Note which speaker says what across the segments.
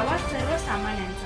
Speaker 1: आवाज सर्वसामान्यांचा।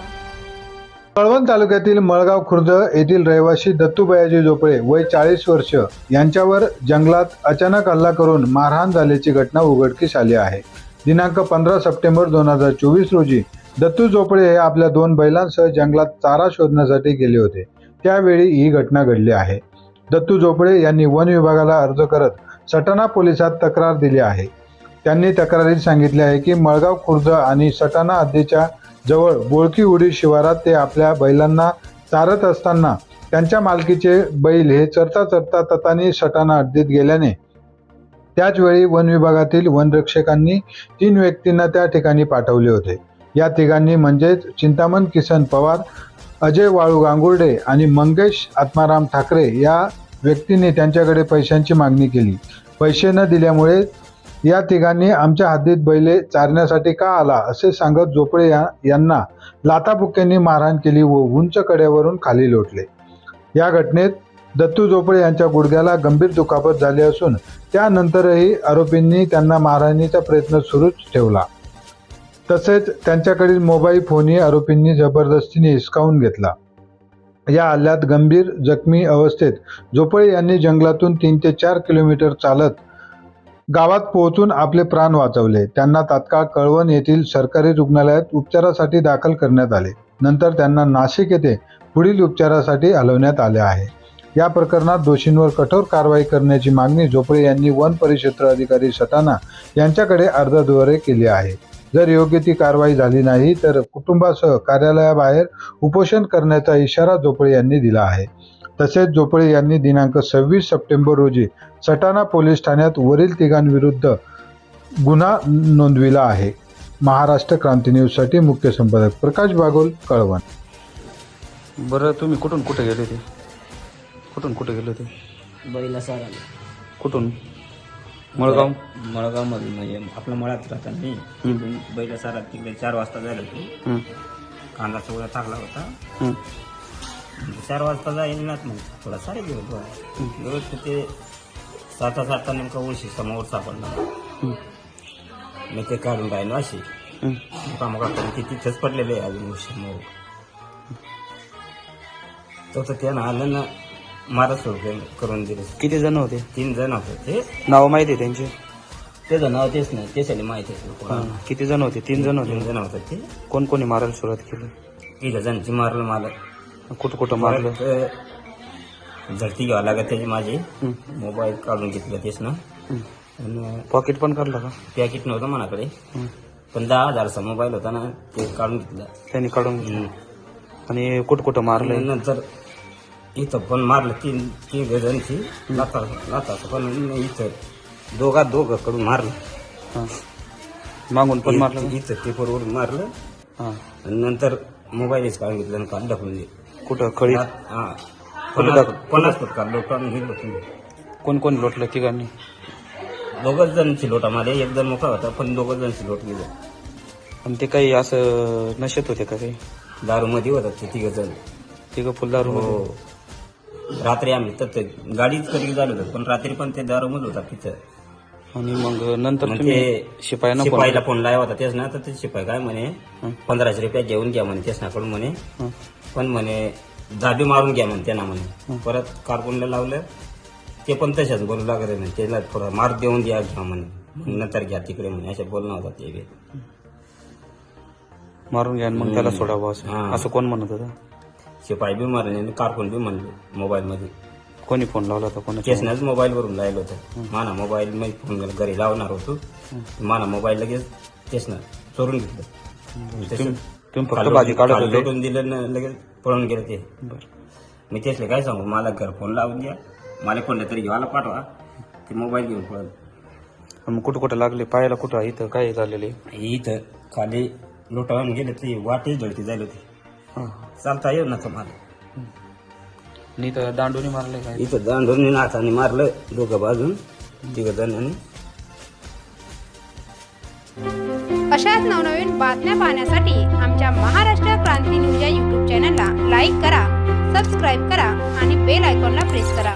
Speaker 2: कळवण तालुक्यातील मळगाव खुर्द येथील रहिवासी दत्तू बयाजी झोपळे वय 40 वर्ष यांच्यावर जंगलात अचानक हल्ला करून मारहाण झाल्याची घटना उघडकीस आली आहे। दिनांक 15 सप्टेंबर 2024 रोजी दत्तू झोपळे हे आपल्या 2 बैलांसह जंगलात चारा शोधण्यासाठी गेले होते। त्यावेळी ही घटना घडली आहे। दत्तू झोपळे यांनी वन विभागाला अर्ज करत सटाणा पोलिसात तक्रार दिली आहे। त्यांनी तक्रारीत सांगितले आहे की मळगाव खुर्द आणि सटाणा हद्दीच्या जवळ बोळकी उडी शिवारात ते आपल्या बैलांना चारत असताना त्यांच्या मालकीचे बैल हे चरता ततानी सटाणा हद्दीत गेल्याने त्याच वेळी वन विभागातील वनरक्षकांनी 3 व्यक्तींना त्या ठिकाणी पाठवले होते। या तिघांनी म्हणजेच चिंतामण किसन पवार, अजय वाळू गांगुर्डे आणि मंगेश आत्माराम ठाकरे या व्यक्तींनी त्यांच्याकडे पैशांची मागणी केली। पैसे न दिल्यामुळे या तिघांनी आमच्या हद्दीत बैले चारण्यासाठी का आला असे सांगत झोपळे यांना लाथाबुक्क्यांनी मारहाण केली व उंच कड्यावरून खाली लोटले। या घटनेत दत्तू झोपळे यांच्या गुडघ्याला गंभीर दुखापत झाली असून त्यानंतरही आरोपींनी त्यांना मारहाणीचा प्रयत्न सुरूच ठेवला। तसेच त्यांच्याकडील मोबाईल फोनही आरोपींनी जबरदस्तीने हिसकावून घेतला। या हल्ल्यात गंभीर जखमी अवस्थेत झोपळे यांनी जंगलातून 3 ते 4 किलोमीटर चालत गावात पोहोचून आपले प्राण वाचवले। त्यांना तात्काळ कळवण येथील सरकारी रुग्णालयात उपचारासाठी दाखल करण्यात आले। नंतर त्यांना नाशिक येथे पुढील उपचारासाठी हलवण्यात आले आहे। या प्रकरणात दोषींवर कठोर कारवाई करण्याची मागणी झोपळे यांनी वन परिक्षेत्र अधिकारी सटाणा यांच्याकडे अर्जाद्वारे केली आहे। जर योग्य ती कारवाई झाली नाही तर कुटुंबासह कार्यालयाबाहेर उपोषण करण्याचा इशारा झोपळे यांनी दिला आहे। तसेच झोपळे यांनी दिनांक 26 सप्टेंबर रोजी सटाणा पोलीस ठाण्यात वरील तिघांविरुद्ध गुन्हा नोंदविला आहे। महाराष्ट्र क्रांती न्यूजसाठी मुख्य संपादक प्रकाश बागोल, कळवण।
Speaker 3: बरं, तुम्ही कुठून कुठे गेले होते? कुठे गेले होते?
Speaker 4: बैला सारा
Speaker 3: कुठून? मळगाव
Speaker 4: मळगावमधून म्हणजे आपल्या मळ्यात राहतात नाही। बैला सारा तिकडे 4 वाजता जायला होतो। कांदा चवळा टाकला होता। 4 वाजता जाईल ना मग थोडा सारे दिवस ते 7 नेमका उशी समोर सापडला। मी ते काढून राहिलो अशी मुकामुका करून ते तिथेच पडलेले आहे अजून उशी समोर। तर त्यानं आलं ना मारा सुरू करून दिले।
Speaker 3: किती जण होते?
Speaker 4: 3 जण होते। ते
Speaker 3: नाव माहिती आहे त्यांचे?
Speaker 4: त्याचं नाव तेच नाही, त्याच्याने माहिती आहे।
Speaker 3: किती जण होते? 3 जण होते।
Speaker 4: 3 जण होते। ते
Speaker 3: कोण कोणी मारायला सुरुवात केली?
Speaker 4: 3 जणांची मारलं मला।
Speaker 3: कुठं मारलं?
Speaker 4: झडती घ्यावं लागत त्याची माझी। मोबाईल काढून घेतलं तेच ना। आणि
Speaker 3: पॉकेट पण काढलं का?
Speaker 4: पॅकेट नव्हतं मनाकडे, पण 10,000चा मोबाईल होता ना, ते काढून घेतलं त्यांनी
Speaker 3: काढून घेतलं। आणि कुठं मारलं?
Speaker 4: नंतर इथं पण मारलं 3 जणांची लाथा पण इथं दोघं कडून मारलं।
Speaker 3: मागून पण मारलं?
Speaker 4: इथं पेपरवरून मारलं आणि नंतर मोबाईलच काढून घेतलं आणि काढ ढकलून दिलं।
Speaker 3: कुठं? खळी?
Speaker 4: 50 फूट काढलो काढून गेलो तुम्ही।
Speaker 3: कोण लोटलं? तिघांनी?
Speaker 4: 2 जणांची लोटा मारले, 1 जण मोकळा होता पण 2 जणांची लोट गेलो।
Speaker 3: आणि ते काही असं नशेत होते का? काही
Speaker 4: दारू मध्ये होतात ते 3 जण।
Speaker 3: तिघं फुल दारू?
Speaker 4: हो, रात्री आम्ही तर गाडीच कधी झालो होतो पण रात्री पण ते दारू मध्ये होता तिथं।
Speaker 3: आणि मग नंतर
Speaker 4: ते
Speaker 3: शिपाईला
Speaker 4: फोन लावा होता तेच ना। तर ते शिपाई काय म्हणे 1500 रुपये घेऊन घ्या म्हणे त्याच्याकडून म्हणे, पण म्हणे दाबी मारून घ्या म्हणे त्यांना म्हणे। परत कारकुनला लावलं ते पण तशाच बोलू लागत म्हणे, त्याला थोडा मार देऊन द्या घ्या म्हणे, नंतर घ्या तिकडे म्हणे, असे बोलणं होता ते।
Speaker 3: मारून घ्या मग त्याला सोडावं असं कोण म्हणत होतं?
Speaker 4: शिपाई बी मारले आणि कारकुन बी म्हणले मोबाईल मध्ये।
Speaker 3: कोणी फोन लावला होता? कोणी?
Speaker 4: केसनाच मोबाईल वरून लावलं होतं। माना मोबाईल मी फोन घरी लावणार होतो, माना मोबाईल लगेच केसना चोरून घेतलं।
Speaker 3: तुम्ही फक्त भाजी काढत होते?
Speaker 4: लोटून दिलं ना लगेच पळून गेलं ते। मी तेसले काय सांगू, मला घर फोन लावून द्या, मला कोणत्या तरी घेवायला पाठवा, ते मोबाईल घेऊन पळत।
Speaker 3: मग कुठं लागले? पायाला कुठं? इथं काय झालेले?
Speaker 4: इथं खाली लोटावून गेले ते, वाटे जळती जायला होती, चालता येऊ नका मला।
Speaker 3: इथं दांडूनी मारले काय?
Speaker 4: इथं दांडूनी नाथाने मारलं 2 बाजून 3 जणांनी।
Speaker 1: अशाच नवनवीन बातम्या पाहण्यासाठी आमच्या महाराष्ट्र क्रांती न्यूज या YouTube चॅनलला लाईक करा, सबस्क्राईब करा आणि बेल आयकॉनला प्रेस करा।